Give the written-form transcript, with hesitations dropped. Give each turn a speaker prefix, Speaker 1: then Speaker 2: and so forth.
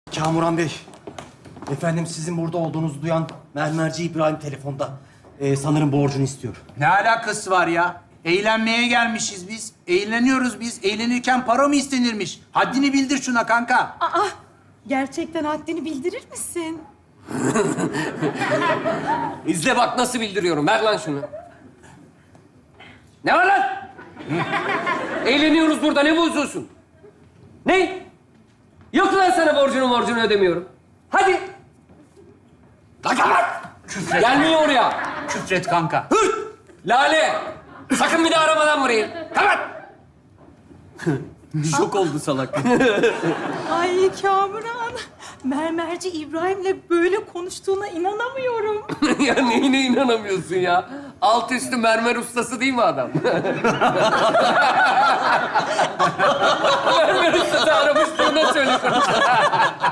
Speaker 1: Kamuran Bey, efendim sizin burada olduğunuzu duyan mermerci İbrahim telefonda. Sanırım borcunu istiyor.
Speaker 2: Ne alakası var ya? Eğlenmeye gelmişiz biz. Eğleniyoruz biz. Eğlenirken para mı istenirmiş? Haddini bildir şuna kanka.
Speaker 3: Aa, gerçekten haddini bildirir misin?
Speaker 4: İzle bak nasıl bildiriyorum. Ver lan şunu. Ne var lan? Eğleniyoruz burada. Ne bozuyorsun? Ne? Yok lan sana borcunu ödemiyorum. Hadi. Lan kapat. Gelmiyor oraya.
Speaker 2: Küfret kanka.
Speaker 4: Hırt! Lale! Sakın bir daha aramadan burayı. Kapat! Şok oldu salak.
Speaker 3: Ay Kamuran, mermerci İbrahim'le böyle konuştuğuna inanamıyorum.
Speaker 4: Ya neyine inanamıyorsun ya? Alt üstü mermer ustası değil mi adam? Mermer ustası aramış, bunu söyle.